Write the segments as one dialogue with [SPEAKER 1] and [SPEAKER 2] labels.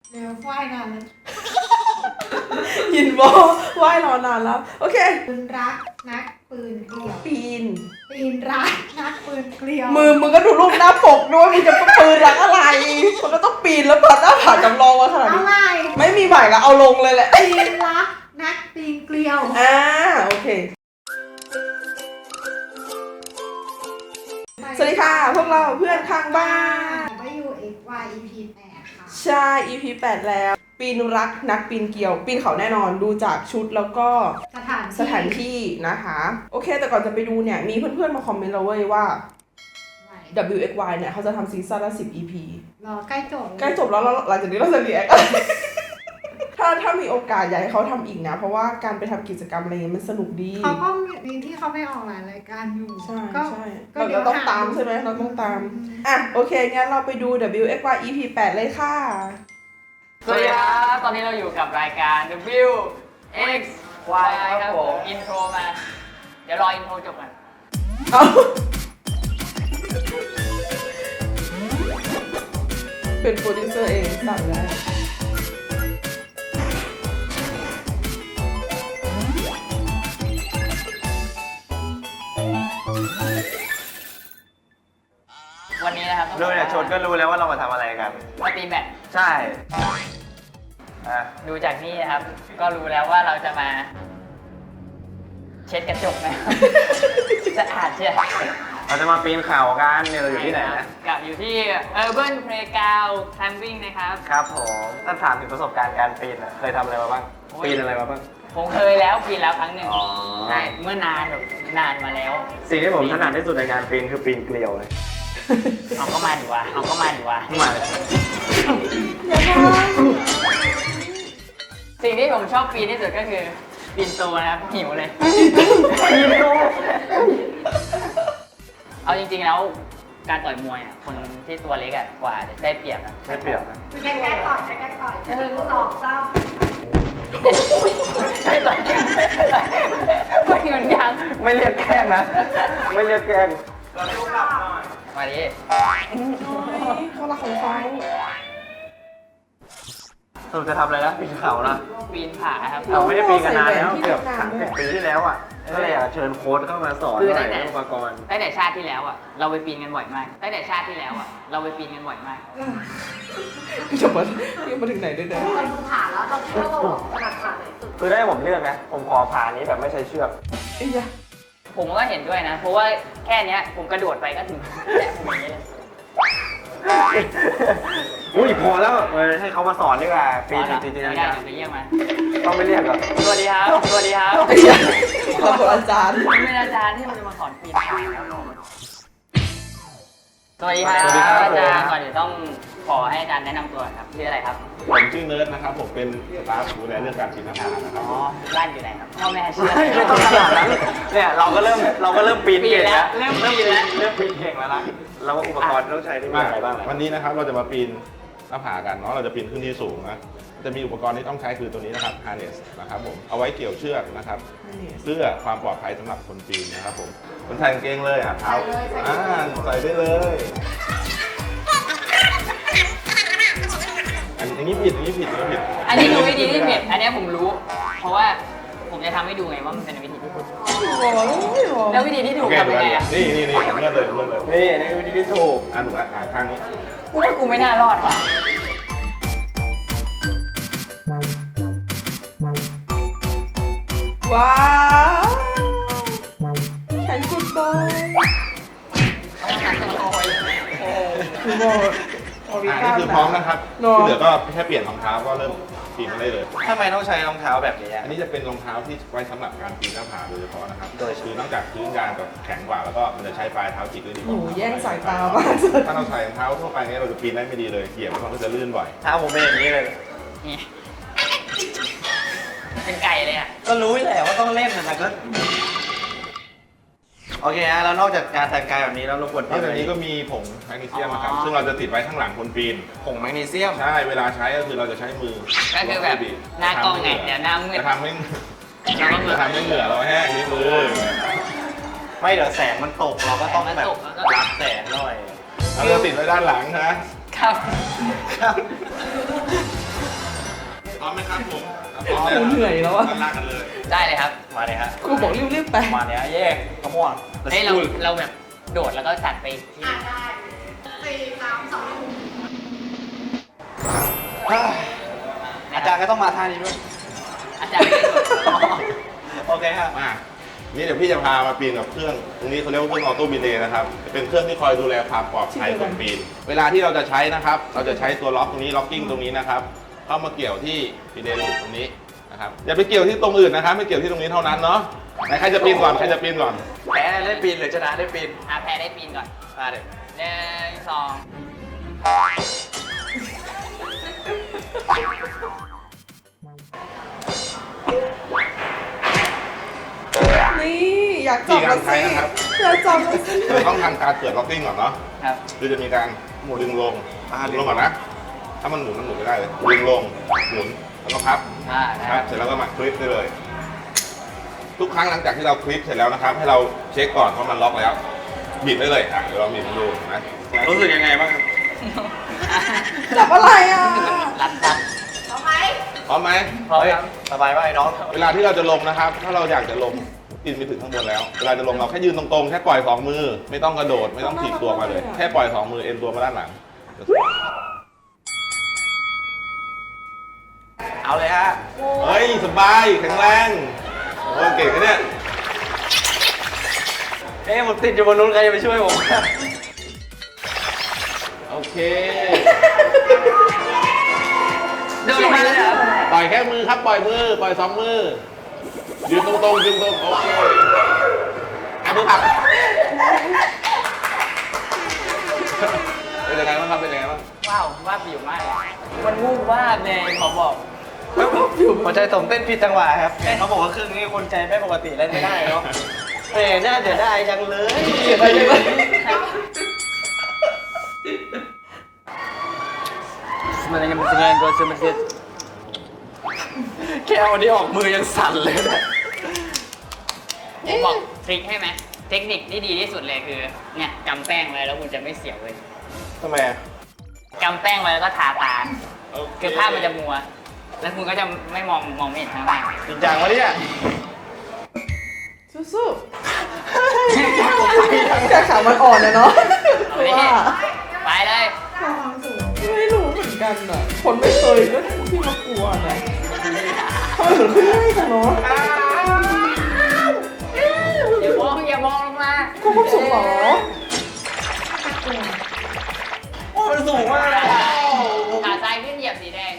[SPEAKER 1] เร็วว่ายนานแล้ว
[SPEAKER 2] ยินบอว่ายรอนานแล้ว โอเค
[SPEAKER 1] ปืนรักนักปืนเกลียว
[SPEAKER 2] ปีน
[SPEAKER 1] ปีนรักนักปืนเกลียว
[SPEAKER 2] มึงก็ดูรูปหน้าปกด้วยมึงจะปืนรักอะไร มันก็ต้องปีนแล้วเปิดหน้าผาจำลองมาขนาด
[SPEAKER 1] เอา
[SPEAKER 2] นี้
[SPEAKER 1] ใหม่
[SPEAKER 2] ไม่มีใหม่ละเอาลงเลยแหละ
[SPEAKER 1] ปีนรักนักปีนเกลียว
[SPEAKER 2] โอเค สวัสดีค่ะ พวกเราเพื่อนข้างบ้าน
[SPEAKER 1] ไปอยู่ XY EP 8ค่ะ
[SPEAKER 2] ใช่ EP 8 แล้ว ปีนรักนักปีนเกี่ยว ปีนเขาแน่นอนดูจากชุดแล้วก็สถานที่นะคะ โอเค แต่ก่อนจะไปดูเนี่ย มีเพื่อนๆมาคอมเมนต์เราเว้ยว่า WXY เนี่ยเขาจะทำซีซั่นละ10 EP
[SPEAKER 1] รอใกล้จบ
[SPEAKER 2] ใกล้จบแล้วหลังจากนี้เราจะเรียก ถ้ามีโอกาสอยากให้เขาทำอีกนะ เพราะว่าการไปทำกิจกรรมอะไรเงี้ยมันสนุกดี
[SPEAKER 1] เขาก็มีที่เขาไม่ออกหลายรายการอยู่
[SPEAKER 2] ใช่
[SPEAKER 1] ก็
[SPEAKER 2] ใช่
[SPEAKER 1] ก็
[SPEAKER 2] เราต้องตามใช่ไหมเราต้องตาม อ่ะ โอเค งั้นเราไปดู WXY EP 8 เลยค่ะ
[SPEAKER 3] สวัสดีครับตอนนี้เราอยู่กับรายการ W X Y ครับผมอินโทรมา เดี๋ยวรออินโทรจบก่อน
[SPEAKER 2] เอาเป็นโปรดิวเซอร์เองสั่งแล้ว
[SPEAKER 3] วันนี้นะครับ
[SPEAKER 4] ดูเนี่ยชนก็รู้แล้วว่าเรามาทำอะไรกัน
[SPEAKER 3] มาตีแบต
[SPEAKER 4] ใช่อ่ะ
[SPEAKER 3] ดูจากนี่นะครับ ก็รู้แล้วว่าเราจะมา เช็ดกระจกนะครับ สะอาดเชียว
[SPEAKER 4] เราจะมาปีนเขากันเนี่ยเราอยู่ที่ไหนนะ
[SPEAKER 3] กับอยู่ที่ Urban Playground Climbing นะครับ
[SPEAKER 4] ครับผมถ้าถามถึงประสบการณ์การปีนอะเคยทำอะไรมาบ้าง
[SPEAKER 3] โอ้ย
[SPEAKER 4] ปีนอะไรมาบ้าง
[SPEAKER 3] ผมเคยแล้วปีนแล้วครั้งหนึ่ง
[SPEAKER 4] อ๋อ
[SPEAKER 3] ใช่เมื่อนานแบบนานมาแล้ว
[SPEAKER 4] สิ่งที่ผมถนัดที่สุดในการปีนคือปีนเกลียวเลย
[SPEAKER 3] เอาก็มาดีวะเอาก็มาดีวะ
[SPEAKER 4] มาเลย
[SPEAKER 3] สิ่งที่ผมชอบปีนที่สุดก็คือปีนตัวนะครับหิวเลย
[SPEAKER 4] ปีนตัว
[SPEAKER 3] เอาจริงๆแล้วการต่อยมวยอ่ะคนที่ตัวเล็กอ่ะกว่าจะได้เปรียบอ่ะ
[SPEAKER 4] ไม่เปรียบนะ
[SPEAKER 1] ใกล้ๆต่อยใกล้ๆต่อย1 2 3
[SPEAKER 3] ไม่ต่อยไม่เหมือนกัน
[SPEAKER 4] ไม่เรียกแกล้งนะ ไม่เรียกแกล้ง
[SPEAKER 3] มาดิ
[SPEAKER 2] เขารักของเขา
[SPEAKER 4] สรุปจะทำอะไรนะปีนเขานะ
[SPEAKER 3] ปีนผาครับ
[SPEAKER 4] เราไม่ได้ปีนกันนานแล้วเกือบ30 ปีที่แล้วอ่ะก็เลยอยากเชิญโค้ชเข้ามาสอน
[SPEAKER 3] คือ
[SPEAKER 4] หน่
[SPEAKER 3] ตั้
[SPEAKER 4] อย
[SPEAKER 3] งแต่
[SPEAKER 4] เรื่องอุปกรณ์
[SPEAKER 3] ตั้งแต่ชาติที่แล้วอ่ะเราไปปีนกันบ่อยมากตั้งแต่ชาติที่แล้วอ่ะเราไปปีนกันบ่อยมาก
[SPEAKER 2] จะมาถึงไหนได้เนี่ย
[SPEAKER 1] เราดูผ่านแล้วเราคิดว่าเราถนัดผ่านไหนสุด
[SPEAKER 4] คือได้ผมเลือกนะผมขอผ่านนี้แบบไม่ใช้เชือก
[SPEAKER 2] ไอ้ยะ
[SPEAKER 3] ผมก็เห็นด้วยนะ เพราะว่าแค่เนี้ยผมกระโดดไปก็ถึงแตะผมอย่างนี้เลย
[SPEAKER 4] อุ้ยพอแล้วให้เขามาสอนดีกว่าปีนจริง
[SPEAKER 3] ไม่ได้เดี๋ยวไปเรียกมา
[SPEAKER 4] ๆต้องไม่เรียกหรอ
[SPEAKER 3] สวัสดีครับสวัสดีครับ
[SPEAKER 2] ไอ้ยะเราเป็นอาจารย์
[SPEAKER 3] ผมเป็นอาจารย์ที่มันจะมาสอนปีนผาครับสวัสดีครับอาจารย์ก่อนอื่นต้องขอให้อาจารย์แนะนำตัวครับชื่ออะไรครับ
[SPEAKER 5] ผมชื่อเนิร์ดนะครับ ผมเป็นสตาฟดูแลเรื่องการปีนผานะครับ
[SPEAKER 3] อ๋อบ้านอยู่ไหนครับพ่อแม่ชื่อ
[SPEAKER 4] ไม่ต้องขนาดนั้นเนี่ยเราก็เริ่มปีนเก่งแล้ว
[SPEAKER 3] เริ่มปีนแล้ว
[SPEAKER 4] เริ่มปีนเก่งแล้วนะเราว่าอุปกรณ์ที่ต้องใช้ที่มีอะไรบ้าง
[SPEAKER 5] วันนี้นะครับเราจะมาปีนหน้าผากันเนาะเราจะปีนขึ้นที่สูงนะจะมีอุปกรณ์ที่ต้องใช้คือตัวนี้นะครับ harness นะครับผมเอาไว้เกี่ยวเชือกนะครับเพื่อความปลอดภัยสำหรับคนปีนนะครับผมคนใส่กางเกงเลยเท้าใส่ได้เลยอันนี้ผิด
[SPEAKER 3] อันนี้คือวิธีที่ผิดอันนี้ผมรู้ เพราะว่าผมจะทำให้ดูไงว่ามันเป็นวิธีที่ถูก
[SPEAKER 2] โอ้ย
[SPEAKER 3] แล้ววิธีที่ถู
[SPEAKER 5] โอกเค
[SPEAKER 3] ทำยังไงอะ
[SPEAKER 5] นี่เลื่อนเลย
[SPEAKER 4] นี่คือวิธีที่ถูก
[SPEAKER 5] ถูกอ่ะข้างนี้
[SPEAKER 3] กูว่ากูไม่น่ารอดว่ะ
[SPEAKER 2] ว้าวแขนกุดบอยคือโมโอริ
[SPEAKER 5] นี่
[SPEAKER 2] กา
[SPEAKER 5] คือพร้อมนะครับ
[SPEAKER 2] เนาะ
[SPEAKER 5] ที่เหลือก็แค่เปลี่ยนรองเท้าก็เริ่มปีนมาได้เลย
[SPEAKER 4] ทำไมต้องใช้รองเท้าแบบนี้
[SPEAKER 5] อันนี้จะเป็นรองเท้าที่ไว้สำหรับการปีนหน้าผาโดยเฉพาะนะครับ โดยคือนอกจากพื้นยางกับแข็งกว่า แล้วก็มันจะใช้ปลายเท้าจิกได้ดีก
[SPEAKER 2] โอ้
[SPEAKER 5] ว่า
[SPEAKER 2] โหแย่งสายตามาก
[SPEAKER 5] ถ้าเราใส่รองเท้าทั่วไปเนี่ยเราจะปีนได้ไม่ดีเลยเหยียบแล้วมันก็จะลื่นบ่อย
[SPEAKER 4] เท้าผมเป็นอย่างนี้เลย
[SPEAKER 3] นี่เป็นไก่เลยอ่ะ
[SPEAKER 4] ก็รู้แหละว่าต้องเล่นแต่ก็โอเคฮะแล้วนอกจากการแต่งกายแบบนี้แล้วเราควร
[SPEAKER 5] นอกจากนี้ก็มีผงแมกนีเซียมนะครับ ซึ่งเราจะติดไว้ข้างหลังคนปีน
[SPEAKER 4] ผงแมกนีเซียม
[SPEAKER 5] ใช่ เวลาใช้ก็คือเราจะใช้มือ
[SPEAKER 3] ก็คือแบบหน้ากล้องไงเดี๋ยวหน้ามืด
[SPEAKER 5] จะทำให้
[SPEAKER 3] เราก็มือ
[SPEAKER 5] จะทำให้เหงื่อเราแห้งที่มือ
[SPEAKER 4] ไม่เดี๋ยวแสงมันตกเราก็ต้องแบบรับแสงหน่อย
[SPEAKER 5] เราจะติดไว้ด้านหลังนะครับครับผม
[SPEAKER 2] กูเหนื่อยแล้วอะ
[SPEAKER 5] ลากกันเลย
[SPEAKER 3] ได้เลยครับ
[SPEAKER 4] มาเลยฮะ
[SPEAKER 2] ครูบอกรีบๆไป
[SPEAKER 4] มาเนี่ยแยกขมวด
[SPEAKER 3] เฮ้ยเราแบบโดดแล้วก็ตัดไปที่
[SPEAKER 1] ได้สี่สามสอง
[SPEAKER 4] อาจารย์ก็ต้องมาท่านี้ด้วย
[SPEAKER 3] อาจารย์ไม่ได้โดด
[SPEAKER 4] โอเคครับ
[SPEAKER 5] มานี่เดี๋ยวพี่จะพามาปีนกับเครื่องตรงนี้เขาเรียกว่าเครื่องออโต้บิเลย์นะครับเป็นเครื่องที่คอยดูแลความปลอดภัยคนปีนเวลาที่เราจะใช้นะครับ เราจะใช้ตัวล็อกตรงนี้ล็อกกิ้งตรงนี้นะครับเข้ามาเกี่ยวที่บิเลย์ลูกตรงนี้นะครับอย่าไปเกี่ยวที่ตรงอื่นนะครับไม่เกี่ยวที่ตรงนี้เท่านั้นเนาะไหนใครจะปีนก่อนใครจะปีนก่อน
[SPEAKER 4] แพ้ได้ปีนหรือชนะได้ปีน
[SPEAKER 3] แพ้ได้ปีนก่อน
[SPEAKER 4] มาเด็ก
[SPEAKER 3] หนึ่งสอง
[SPEAKER 2] นี่อยากจับแล้วสิอยากจับแล้วสิ
[SPEAKER 5] เราต้องทำการเปิดล็อกกิ้งก่อนเนาะ
[SPEAKER 3] ครับ
[SPEAKER 5] คือจะมีการดึงลงดึงลงก่อนนะถ้ามันหมุนไม่ได้เลยดึงลงหมุนแล้วก็พับ
[SPEAKER 3] นะ
[SPEAKER 5] ค
[SPEAKER 3] ค
[SPEAKER 5] รั
[SPEAKER 3] รั
[SPEAKER 5] บบ เสร็จแล้วก็มาคลิปได้เลย ทุกครั้งหลังจากที่เราคลิปเสร็จแล้วนะครับ ให้เราเช็คก่อนว่ามันล็อกแล้วบิดได้เลยเดี๋ยวเราบิดดูนะ
[SPEAKER 4] รู้สึกยังไงบ้างครับ
[SPEAKER 2] จับอะไรอ่ะ
[SPEAKER 3] รัดตัด
[SPEAKER 1] เอาไหม
[SPEAKER 5] พร้อมไหม
[SPEAKER 3] พร้อม
[SPEAKER 4] เฮ้ย
[SPEAKER 3] ครับ
[SPEAKER 4] สบายป่ะไอ้น้อง
[SPEAKER 5] เวลาที่เราจะลงนะครับ ถ้าเราอยากจะลงกินไปถึงข้างบนแล้ว เวลาจะลงเราแค่ยืนตรงๆ แค่ปล่อยสองมือ ไม่ต้องกระโดด ไม่ต้องถีบตัวมาเลย แค่ปล่อยสองมือเอ็นตัวมาด้านหลัง
[SPEAKER 4] เอาเลยฮะ
[SPEAKER 5] เฮ้ยสบายแข็งแรงโอ้ยเก่งนะเนี่ย
[SPEAKER 4] เอ๊ะผมติดอยู่บนนู้นใครจะไปช่วยผม
[SPEAKER 5] โอเค
[SPEAKER 3] เดินลงมาเลยเหรอ
[SPEAKER 5] ปล่อยแค่มือครับ ปล่อยมือ ปล่อยสองมือ ยืนตรงๆยืนตรงโอเคเอามือผลักเป็นยังไงบ้างครับเป็นยังไงบ้าง
[SPEAKER 3] ว้าวว่าบวิวมากเลยมันวูบวาบเลยขอบอก
[SPEAKER 4] หัวใจผมเต้นผิดจังหวะครับเขาบอกว่าเครื่องนี้คนใจไม่ปกติเล่นไม่ได้เนาะเฮ้ยน่าเสียดายจังเลย
[SPEAKER 2] เสียดายจังเลย
[SPEAKER 3] Sebenarnya mestinya gue sedikit
[SPEAKER 4] แค่วันนี้ออกมือยังสั่นเลยนะ
[SPEAKER 3] ผมบอกทริคให้ไหมเทคนิคที่ดีที่สุดเลยคือเนี่ยกำแป้งไว้แล้วคุณจะไม่เสียวเลย
[SPEAKER 4] ทำไมอะ
[SPEAKER 3] กำแป้งไว้แล้วก็ทาตาคือภาพมันจะมัว แล้วคุณก็จะไม่มองไม่เห็นข้างล่าง
[SPEAKER 4] จริงจังวะเนี่ย
[SPEAKER 2] สู้ๆแค่ขามันอ่อนนะเนาะ
[SPEAKER 3] เอาดิ
[SPEAKER 2] ว่า
[SPEAKER 3] ไปเลย
[SPEAKER 1] ความสูง
[SPEAKER 2] ไม่รู้เหมือนกันอ่ะ คนไม่เคยก็ที่มากลัวนะทำไมเหมือนขึ้นง่ายจังเนาะ
[SPEAKER 3] อย่ามองลงมา
[SPEAKER 2] ก็ความสูงเหรอ
[SPEAKER 4] โอ้มันสูงมากเลย
[SPEAKER 3] ขาซ้ายขึ้นเหยียบสีแดง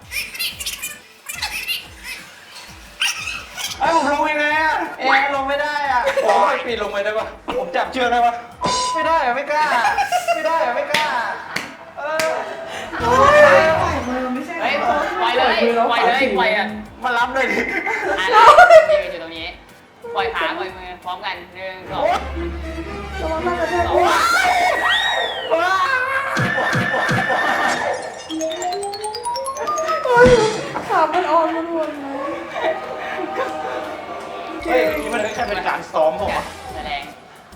[SPEAKER 4] ไอ้ผมลงยังไงอะลงไม่ได้อะผมไม่ปีนลงไปได้ปะผมจับเชือกได้ปะไม่ได้อะไม่กล้า ไม่ได้อะไม่กล้า
[SPEAKER 1] ปล่อยมือไม่ใช่
[SPEAKER 3] เฮ้ยปล่อยเลยปล่อยเลยปล่อยอ่ะ
[SPEAKER 4] มารับเลยดิ
[SPEAKER 3] อ่ะนี่อยู่ตรงนี้ ปล่อยขาปล่อยมือพร้อมกันหนึ่งสอง
[SPEAKER 2] ระวังหน้ากระแทก
[SPEAKER 3] สอง
[SPEAKER 2] เฮ้ยขามันอ่อนมันวนไหม
[SPEAKER 4] เฮ้ยนี่มันแค่เป็นการซ้อมผมอะ
[SPEAKER 3] แสดง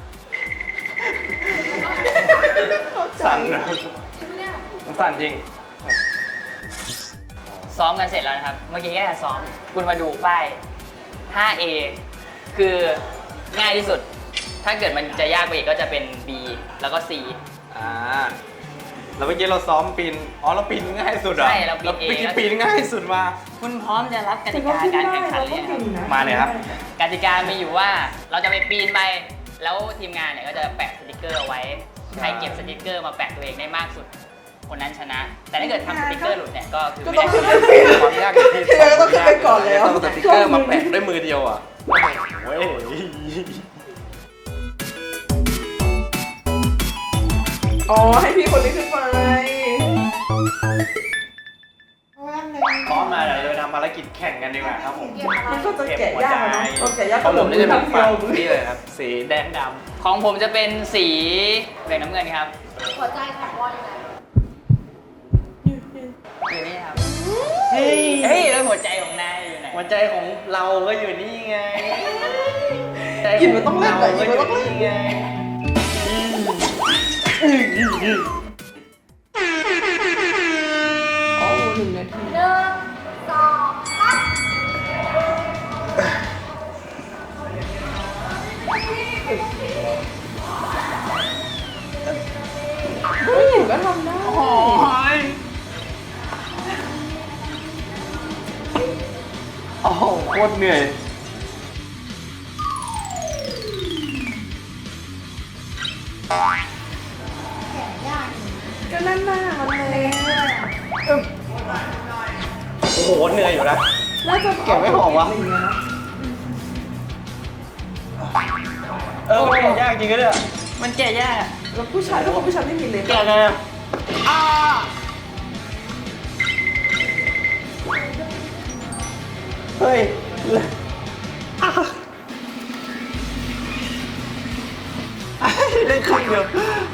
[SPEAKER 4] สั่นนะมันสั่นจริง
[SPEAKER 3] ซ้อมกันเสร็จแล้วนะครับ เมื่อกี้แค่ซ้อม คุณมาดูป้าย 5A คือง่ายที่สุด ถ้าเกิดมันจะยากไปอีกก็จะเป็น B แล้วก็ C
[SPEAKER 4] แล้วเมื่อกี้เราซ้อมปีน อ๋อเราปีนง่ายสุดเหรอ
[SPEAKER 3] ใช่เราปีนเอง
[SPEAKER 4] ปีนง่ายสุดมา
[SPEAKER 3] คุณพร้อมจะรับก
[SPEAKER 2] แต่
[SPEAKER 3] ติ
[SPEAKER 2] ก็
[SPEAKER 3] กา
[SPEAKER 2] ขึ้น
[SPEAKER 3] การ
[SPEAKER 2] ได้
[SPEAKER 3] แข่งขัน
[SPEAKER 2] เรา
[SPEAKER 3] เล
[SPEAKER 2] ก็
[SPEAKER 3] ยค
[SPEAKER 2] ถึ
[SPEAKER 3] รับ
[SPEAKER 2] งนะ
[SPEAKER 4] มาเลยครับ
[SPEAKER 3] กติกามีอยู่ว่าเราจะไปปีนไป แล้วทีมงานเนี่ยก็จะแปะสติกเกอร์เอาไว้ ใครเก็บสติกเกอร์มาแปะตัวเองได้มากสุด คนนั้นชนะ แต่ถ้าเกิดทำสติกเกอร์หลุดเนี่ยก็คือ
[SPEAKER 2] ก็
[SPEAKER 3] ไม่
[SPEAKER 2] ต้อง
[SPEAKER 3] ได้
[SPEAKER 2] ขึ้นไปปีน
[SPEAKER 4] ความยากอยู่ที่
[SPEAKER 2] เธอก็ต้องขึ้นไปก่อนแล้ว
[SPEAKER 4] ต้องสติ๊กเกอร์มาแปะด้วยมือเดียวอ่ะโอ้ย
[SPEAKER 2] อ๋อ ให้พี่คนนี้ขึ้นไป
[SPEAKER 1] เพราะว่าใน
[SPEAKER 4] พร้อมมาเดี๋ยวเราไปทำภารกิจแข่งกันดีกว่าครับผม
[SPEAKER 2] มันก็จะแกะยากอะเนาะเราแกะยาก
[SPEAKER 4] ของผมนี่จะเป็นฝั่ง
[SPEAKER 2] มือ
[SPEAKER 4] นี่เลยครับ สีแดงด
[SPEAKER 3] ของผมจะเป็นสีแดงน้ำเงินครับ
[SPEAKER 1] หัวใจของวอลยังไง
[SPEAKER 3] อยู่นี่ครับ
[SPEAKER 4] ำเฮ้ย
[SPEAKER 3] เฮ้ยแล้วหัวใจของนายอยู่ไหน
[SPEAKER 4] หัวใจของเราก็อยู่นี่ไง
[SPEAKER 2] หยิบมันต้องเล่นเหรอหยิบมันต้องเล่น
[SPEAKER 4] ไง
[SPEAKER 2] อ๋อ1 นาที
[SPEAKER 1] 1 2
[SPEAKER 4] โอ้โหโคตรเหนื่อย
[SPEAKER 1] แกะยากอยู่
[SPEAKER 2] ก็นั่นหน้ามันเลย
[SPEAKER 4] โอ้โหเหนื่อยอยู่นะ
[SPEAKER 2] น่าจะ
[SPEAKER 4] เก็บไม่ออกวะ
[SPEAKER 2] อะไรอย่างเงี้ยเนอะ
[SPEAKER 4] มันแกะยากจริงๆเนี่ย
[SPEAKER 3] มันแก่ยาก
[SPEAKER 2] แล้วผู้ชายผู้ชายไม่มีเลย
[SPEAKER 4] แกะไงอะเฮ้ยเล่นครึ่งเดียว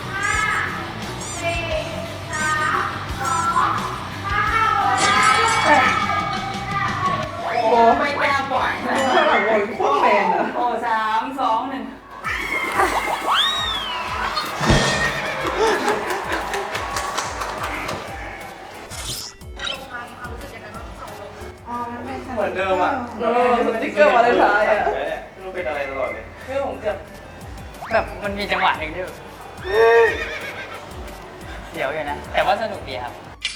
[SPEAKER 2] โอ้ไม่กล้าปล่อยข้างหลังวนโคตรแมนอะ
[SPEAKER 3] โอ้3 2 1
[SPEAKER 1] อ๋อมันเป็น
[SPEAKER 4] เหมือนเดิมอ่ะ
[SPEAKER 2] สติ๊กเกอร์มาเลยท้ายอะ
[SPEAKER 4] ไม่รู้เป็นอะไรตลอดเลย
[SPEAKER 3] เรื่องผมเกือบแบบมันมีจังหวะหนึ่งที่แบบเดี๋ยวอยู่นะ แต่ว่าสนุกดีครับ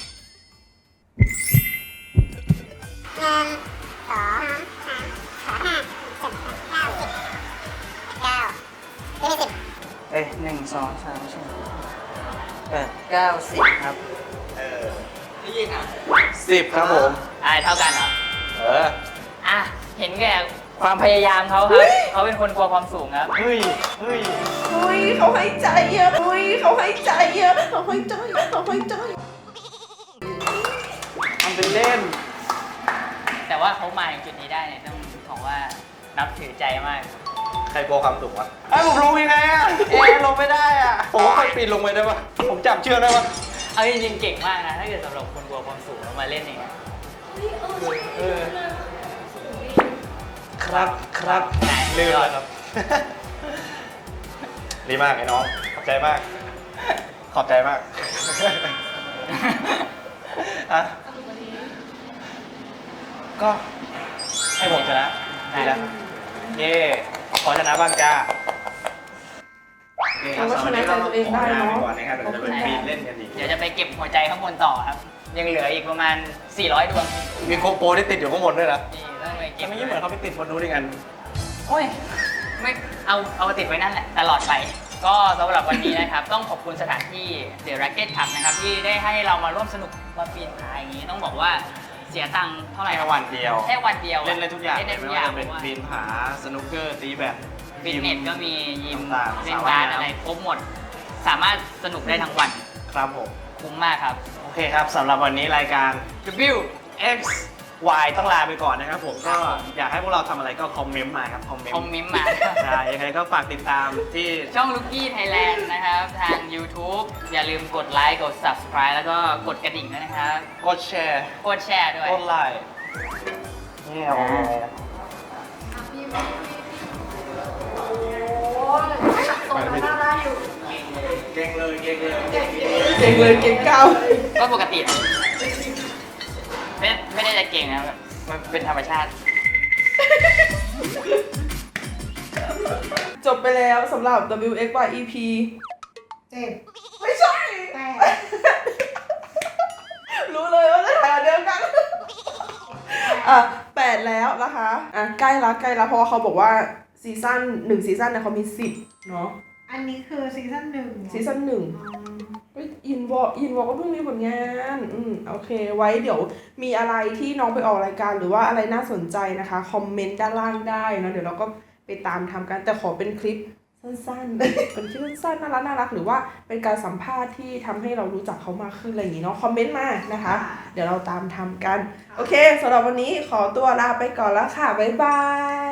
[SPEAKER 6] เอ้ย1 2 3 4 8 9 10ครับ
[SPEAKER 4] 10 ครับผม
[SPEAKER 3] เท่ากันเหรอ
[SPEAKER 4] อ่ะ
[SPEAKER 3] เห็นแก่ความพยายามเขาครับ เขาเป็นคนกลัวความสูงครับ
[SPEAKER 4] เฮ้ย เฮ้ย
[SPEAKER 2] อุ้ยเขาให้ใจอะอุ้ยเขาให้ใจอะเขาให้ใจเขาให้ใจ
[SPEAKER 4] ทำเป็นเล่น
[SPEAKER 3] แต่ว่าเขามาถึงจุดนี้ได้เนี่ยต้องบอกว่านับถือใจมาก
[SPEAKER 4] ใครกลัวความสูงวะไอ้ผมลงยังไงอะลงไม่ได้อ่ะผมค่อยปีนลงไปได้ปะผมจับเชือกได้ปะ
[SPEAKER 3] เอาจริงๆเก่งมากนะ ถ้าเกิดสำหรับคนกลัวความสูงแล้วมาเล่นอย่างเงี้ย
[SPEAKER 4] ครับครับลืมแล้วครับ ดีมากไอ้น้อง ขอบใจมาก ขอบใจมากอะก็ให้ผมชนะดีแล้วเย่ขอชนะบ้างจ้าโอเคครับสำหรับวันนี้เราขอลาไปก่อนนะครับเดี๋ยวจะไปปีนเล่นกันอีก
[SPEAKER 3] เดี๋ยวจะไปเก็บหัวใจข้างบนต่อครับ ยังเหลืออีกประมาณ 400 ดวง
[SPEAKER 4] มีโคโปรที่ติดอยู่ข้างบนด้วยนะ
[SPEAKER 3] นี่ต้องไปเก็
[SPEAKER 4] แต่
[SPEAKER 3] บ
[SPEAKER 4] ไม่ยิ่งเหมือนเขาไปติดบนนู้นด้วยกัน
[SPEAKER 3] โอ้ย ไม่เอาติดไว้นั่นแหละ ตลอดไป ก็สำหรับวันนี้นะครับ ต้องขอบคุณสถานที่ The Racket Club นะครับ ที่ได้ให้เรามาร่วมสนุกมาปีนผาอย่างนี้ ต้องบอกว่าเสียตังค์เท่าไหร่
[SPEAKER 4] แค่วันเดียว
[SPEAKER 3] แค่วันเดียว
[SPEAKER 4] เล่นได้ทุกอย่าง
[SPEAKER 3] เล่นได้
[SPEAKER 4] ไม่
[SPEAKER 3] ทุกอ
[SPEAKER 4] ว่า
[SPEAKER 3] ย่าง
[SPEAKER 4] จะเป็นปีนผาสนุกเกอร์ตีแบด
[SPEAKER 3] ฟิตเนสก็มียิม
[SPEAKER 4] ต่างๆ
[SPEAKER 3] เล่นบาสอะไรครบหมด สามารถสนุกได้ทั้งวัน
[SPEAKER 4] ครับผม
[SPEAKER 3] คุ้มมากครับ
[SPEAKER 4] โอเคครับสำหรับวันนี้รายการ
[SPEAKER 3] W
[SPEAKER 4] X Y ต้องลาไปก่อนนะครับผมก็อยากให้พวกเราทำอะไรก็คอมเมนต์มาครับคอมเมน
[SPEAKER 3] คอม
[SPEAKER 4] ต์
[SPEAKER 3] เมนต์มา
[SPEAKER 4] ใช่ยังไงก็ฝากติดตามที่
[SPEAKER 3] ช่อง Lucky Thailand นะครับ ทาง YouTube อย่าลืมกดไลค์ กด Subscribe แล้วก็กดกระดิ่งด้วยนะครับ
[SPEAKER 4] กดแชร์
[SPEAKER 3] กดแชร์ด้วย
[SPEAKER 4] กดไลค์นี่เอาไงอะ
[SPEAKER 1] โอ้ยตรงนั้นได้อยู่
[SPEAKER 4] เก่งเลยเก่งเลย
[SPEAKER 2] เก่งเลยเก่งเก้า
[SPEAKER 3] ก็ปกติอะไม่ได้จะเก่งนะแบบมันเป็นธรรมชาติ
[SPEAKER 2] จบไปแล้วสำหรับ WXYEP
[SPEAKER 1] 7
[SPEAKER 2] ไม่ใช่
[SPEAKER 1] 8
[SPEAKER 2] รู้เลยว่าจะถ่ายอันเดียวกัน 8 แล้วนะคะ ใกล้ละเพราะว่าเขาบอกว่าซีซั่น1ซีซั่นเนี่ยเขามี 10 เนาะ
[SPEAKER 1] อันนี้คือซีซั่น1
[SPEAKER 2] ซีซั่น1อินวอลก็เพิ่งมีผลงาน โอเค ไว้เดี๋ยวมีอะไรที่น้องไปออกรายการหรือว่าอะไรน่าสนใจนะคะ คอมเมนต์ด้านล่างได้เนาะ เดี๋ยวเราก็ไปตามทำกัน แต่ขอเป็นคลิปสั้นๆ เป็นคลิปสั้นๆน่ารักหรือว่าเป็นการสัมภาษณ์ที่ทำให้เรารู้จักเขามากขึ้นอะไรอย่างนี้เนาะ คอมเมนต์มานะคะ เดี๋ยวเราตามทำกัน โอเคสำหรับวันนี้ขอตัวลาไปก่อนแล้วค่ะ บ๊ายบาย